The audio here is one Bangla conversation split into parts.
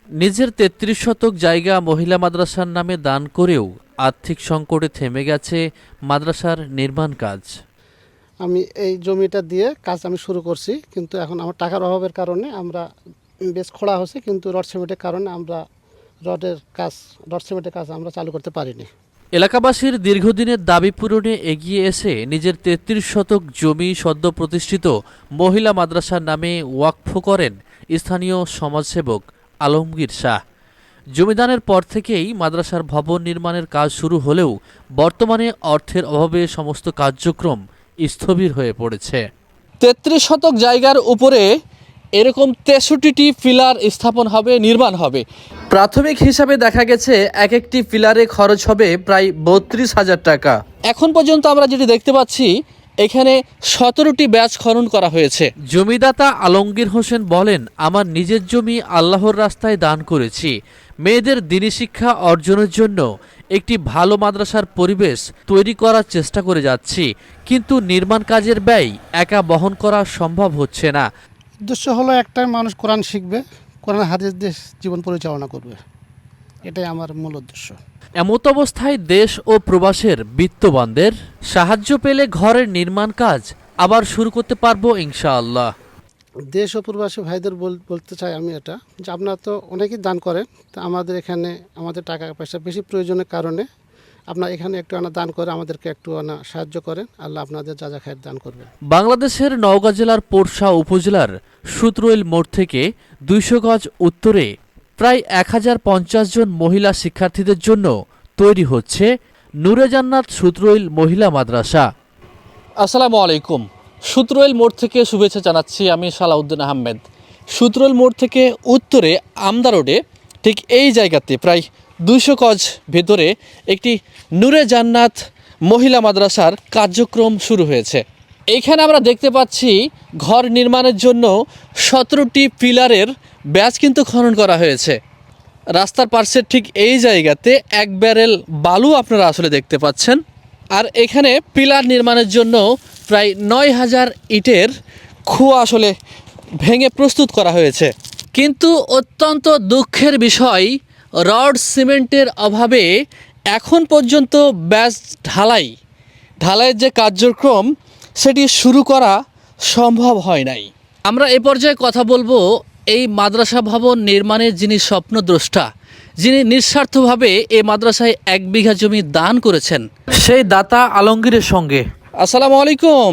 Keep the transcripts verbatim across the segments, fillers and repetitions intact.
নিজের তেত্রিশ শতক জায়গা মহিলা মাদ্রাসার নামে দান করেও আর্থিক সংকটে থেমে গেছে মাদ্রাসার নির্মাণ কাজ। আমি এই জমিটা দিয়ে কাজ আমি শুরু করছি, কিন্তু এখন আমার টাকার অভাবের কারণে আমরা বেশ খোঁড়া হচ্ছে, কিন্তু রড সিমেন্টের কারণে আমরা রডের কাজ রড সিমেন্টের কাজ আমরা চালু করতে পারিনি। এলাকাবাসীর দীর্ঘদিনের দাবি পূরণে এগিয়ে এসে নিজের তেত্রিশ শতক জমি সদ্য প্রতিষ্ঠিত মহিলা মাদ্রাসার নামে ওয়াকফ করেন স্থানীয় সমাজসেবক আলমগীর শাহ। জমিদানের পর থেকেই মাদ্রাসার ভবন নির্মাণের কাজ শুরু হলেও বর্তমানে অর্থের অভাবে সমস্ত কার্যক্রম স্থবির হয়ে পড়েছে। তেত্রিশ শতক জায়গার উপরে এরকম তেষট্টিটি পিলার স্থাপন হবে, নির্মাণ হবে। প্রাথমিক হিসাবে দেখা গেছে এক একটি পিলারে খরচ হবে প্রায় বত্রিশ হাজার টাকা। এখন পর্যন্ত আমরা যেটি দেখতে পাচ্ছি, এখানে সতেরোটি ব্যাচ খনন করা হয়েছে। জমিদাতা আলমগীর হোসেন বলেন, আমার নিজের জমি আল্লাহর রাস্তায় দান করেছি। মেয়েদের দ্বীনি শিক্ষা অর্জনের জন্য একটি ভালো মাদ্রাসার পরিবেশ তৈরি করার চেষ্টা করে যাচ্ছি, কিন্তু নির্মাণ কাজের ব্যয় একা বহন করা সম্ভব হচ্ছে না। উদ্দেশ্য হলো একটাই, মানুষ কোরআন শিখবে, কোরআন হাদিস দিয়ে জীবন পরিচালনা করবে, এটাই আমার মূল উদ্দেশ্য। এমত অবস্থায় দেশ ও প্রবাসের বিত্তবানদের সাহায্য পেলে ঘরের নির্মাণ কাজ আবার শুরু করতে পারবো ইনশাআল্লাহ। দেশ ও প্রবাসী ভাইদের বলতে চাই আমি এটা, যে আপনারা তো অনেকেই দান করেন, তো আমাদের এখানে আমাদের টাকা পয়সা বেশি প্রয়োজনের কারণে আপনার এখানে একটু আনা দান করে আমাদেরকে একটু আনা সাহায্য করেন। আল্লাহ আপনাদের যা যা খায়ের দান করবেন। বাংলাদেশের নওগাঁ জেলার পোরশা উপজেলার সুত্রইল মোড় থেকে দুইশো গজ উত্তরে প্রায় এক হাজার পঞ্চাশ জন মহিলা শিক্ষার্থীদের জন্য তৈরি হচ্ছে নূরে জান্নাত সুত্রইল মহিলা মাদ্রাসা। আসসালামু আলাইকুম। সুত্রইল মোড় থেকে শুভেচ্ছা জানাচ্ছি আমি সালাউদ্দিন আহমেদ। সুত্রইল মোড় থেকে উত্তরে আমদা রোডে ঠিক এই জায়গাতে প্রায় দুইশো গজ ভেতরে একটি নূরে জান্নাত মহিলা মাদ্রাসার কার্যক্রম শুরু হয়েছে। এইখানে আমরা দেখতে পাচ্ছি ঘর নির্মাণের জন্য সতেরোটি পিলারের ব্যাচ কিন্তু খনন করা হয়েছে। রাস্তার পার্শ্বের ঠিক এই জায়গাতে এক ব্যারেল বালু আপনারা আসলে দেখতে পাচ্ছেন। আর এখানে পিলার নির্মাণের জন্য প্রায় নয় হাজার ইটের খুয়া আসলে ভেঙে প্রস্তুত করা হয়েছে। কিন্তু অত্যন্ত দুঃখের বিষয়, রড সিমেন্টের অভাবে এখন পর্যন্ত ব্যাচ ঢালাই ঢালাইয়ের যে কার্যক্রম সেটি শুরু করা সম্ভব হয় নাই। আমরা এ পর্যায়ে কথা বলবো এই মাদ্রাসা ভবন নির্মাণের যিনি স্বপ্নদ্রষ্টা, যিনি নিঃস্বার্থভাবে এই মাদ্রাসায় এক বিঘা জমি দান করেছেন, সেই দাতা আলমগীরের সঙ্গে। আসসালামু আলাইকুম।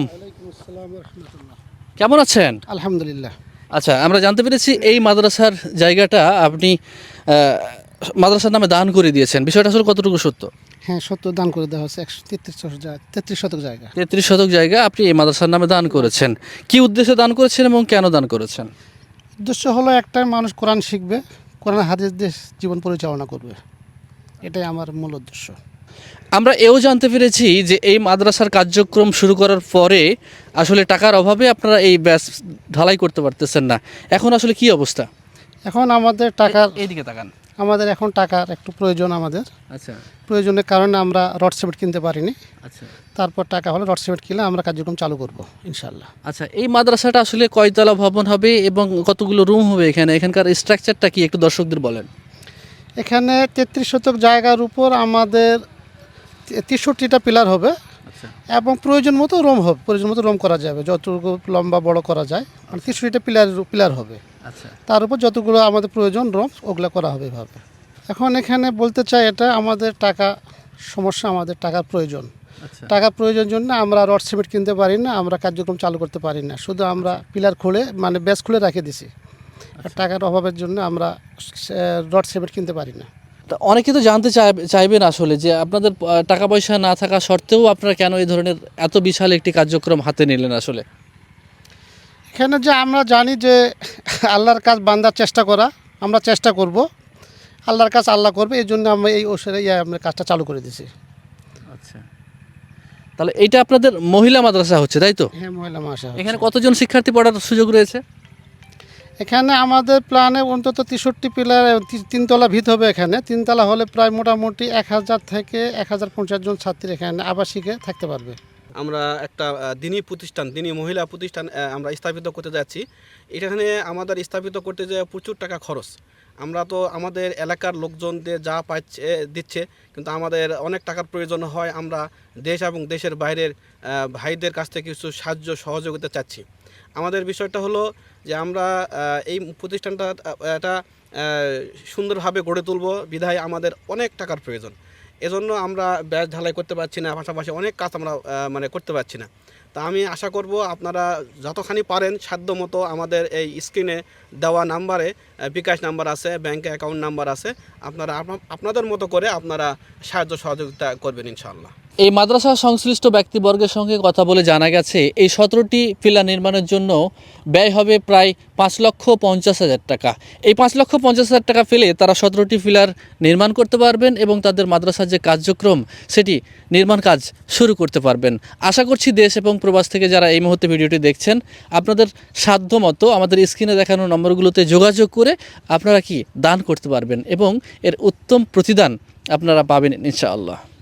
কেমন আছেন? আলহামদুলিল্লাহ। আচ্ছা, আমরা জানতে পেরেছি এই মাদ্রাসার জায়গাটা আপনি মাদ্রাসার নামে দান করে দিয়েছেন। বিষয়টা আসলে কতটুকু সত্য? হ্যাঁ, সত্য, দান করে দেওয়া হচ্ছে একশো তেত্রিশ তেত্রিশ শতক জায়গা। তেত্রিশ শতক জায়গা আপনি এই মাদ্রাসার নামে দান করেছেন। কি উদ্দেশ্যে দান করেছেন এবং কেন দান করেছেন? উদ্দেশ্য হলো একটাই, মানুষ কোরআন শিখবে, কোরআন হাদিস দিয়ে জীবন পরিচালনা করবে, এটাই আমার মূল উদ্দেশ্য। আমরা এও জানতে পেরেছি যে এই মাদ্রাসার কার্যক্রম শুরু করার পরে আসলে টাকার অভাবে আপনারা এই ব্যাচ ঢালাই করতে পারতেছেন না। এখন আসলে কি অবস্থা? এখন আমাদের টাকার এইদিকে তাকান। আমাদের এখন টাকার একটু প্রয়োজন। আমাদের আচ্ছা, প্রয়োজনের কারণে আমরা রড সিমেন্ট কিনতে পারিনি। আচ্ছা, তারপর টাকা হলে রড সিমেন্ট কিনে আমরা কার্যক্রম চালু করব ইনশাল্লাহ। আচ্ছা। এই মাদ্রাসাটা আসলে কয়তলা ভবন হবে এবং কতগুলো রুম হবে এখানে? এখানকার স্ট্রাকচারটা কি একটু দর্শকদের বলেন। এখানে তেত্রিশ শতক জায়গার উপর আমাদের তেষট্টিটা পিলার হবে এবং প্রয়োজন মতো রুম হবে, প্রয়োজন মতো রুম করা যাবে, যতটুকু লম্বা বড় করা যায়, মানে তেষট্টিটা পিলার পিলার হবে। আচ্ছা, তার উপর যতগুলো আমাদের প্রয়োজন রুম ওগুলো করা হবে এভাবে। এখন এখানে বলতে চাই, এটা আমাদের টাকা সমস্যা, আমাদের টাকার প্রয়োজন। টাকার প্রয়োজন জন্য আমরা রড সিমেন্ট কিনতে পারি না, আমরা কার্যক্রম চালু করতে পারি না, শুধু আমরা পিলার খুলে মানে ব্যাস খুলে রেখে দিছি। টাকার অভাবের জন্য আমরা রড সিমেন্ট কিনতে পারি না। তা অনেকে তো জানতে চাইবেন আসলে যে আপনাদের টাকা পয়সা না থাকা সত্ত্বেও আপনারা কেন এই ধরনের এত বিশাল একটি কার্যক্রম হাতে নিলেন? আসলে এখানে যে আমরা জানি যে আল্লাহর কাজ বান্দার চেষ্টা করা, আমরা চেষ্টা করব, আল্লাহর কাজ আল্লাহ করবে, এই জন্য আমরা এই ওষুধে ইয়ে আমরা কাজটা চালু করে দিয়েছি। আচ্ছা, তাহলে এইটা আপনাদের মহিলা মাদ্রাসা হচ্ছে, তাই তো? হ্যাঁ, মহিলা মাদ্রাসা। এখানে কতজন শিক্ষার্থী পড়ার সুযোগ রয়েছে? এখানে আমাদের প্ল্যানে অন্তত তেষট্টি পিলার, তিনতলা ভিত হবে। এখানে তিনতলা হলে প্রায় মোটামুটি এক হাজার থেকে এক হাজার পঞ্চাশ জন ছাত্রী এখানে আবাসিকে থাকতে পারবে। আমরা একটা দিনী প্রতিষ্ঠান, দিনী মহিলা প্রতিষ্ঠান আমরা স্থাপিত করতে যাচ্ছি। এখানে আমাদের স্থাপিত করতে যে প্রচুর টাকা খরচ। আমরা তো আমাদের এলাকার লোকজনদের যা পাচ্ছে দিচ্ছে, কিন্তু আমাদের অনেক টাকার প্রয়োজন হয়। আমরা দেশ এবং দেশের বাইরের আহ, ভাইদের কাছ থেকে কিছু সাহায্য সহযোগিতা চাচ্ছি। আমাদের বিষয়টা হলো যে আমরা আহ, এই প্রতিষ্ঠানটা আহ, এটা আহ, সুন্দরভাবে গড়ে তুলব, বিধায় আমাদের অনেক টাকার প্রয়োজন। এজন্য আমরা ব্যাস ঢালাই করতে পারছি না, পাশাপাশি অনেক কাজ আমরা আহ, মানে করতে পারছি না। তা আমি আশা করব আপনারা যতখানি পারেন সাধ্য মতো আমাদের এই স্ক্রিনে দেওয়া নাম্বারে আহ, বিকাশ নাম্বার আছে, ব্যাংকে অ্যাকাউন্ট নাম্বার আছে, আপনারা আপনা- আপনাদের মতো করে আপনারা সাহায্য সহযোগিতা করবেন ইনশাআল্লাহ। এই মাদ্রাসা সংশ্লিষ্ট ব্যক্তিবর্গের সঙ্গে কথা বলে জানা গেছে এই সতেরোটি পিলার নির্মাণের জন্য ব্যয় হবে প্রায় পাঁচ লক্ষ পঞ্চাশ হাজার টাকা। এই পাঁচ লক্ষ পঞ্চাশ হাজার টাকা ফেলে তারা সতেরোটি পিলার নির্মাণ করতে পারবেন এবং তাদের মাদ্রাসার যে কার্যক্রম সেটি নির্মাণ কাজ শুরু করতে পারবেন। আশা করছি দেশ এবং প্রবাস থেকে যারা এই মুহূর্তে ভিডিওটি দেখছেন, আপনাদের সাধ্য মতো আমাদের স্ক্রিনে দেখানো নম্বরগুলোতে যোগাযোগ করে আপনারা কি দান করতে পারবেন এবং এর উত্তম প্রতিদান আপনারা পাবেন ইনশাআল্লাহ।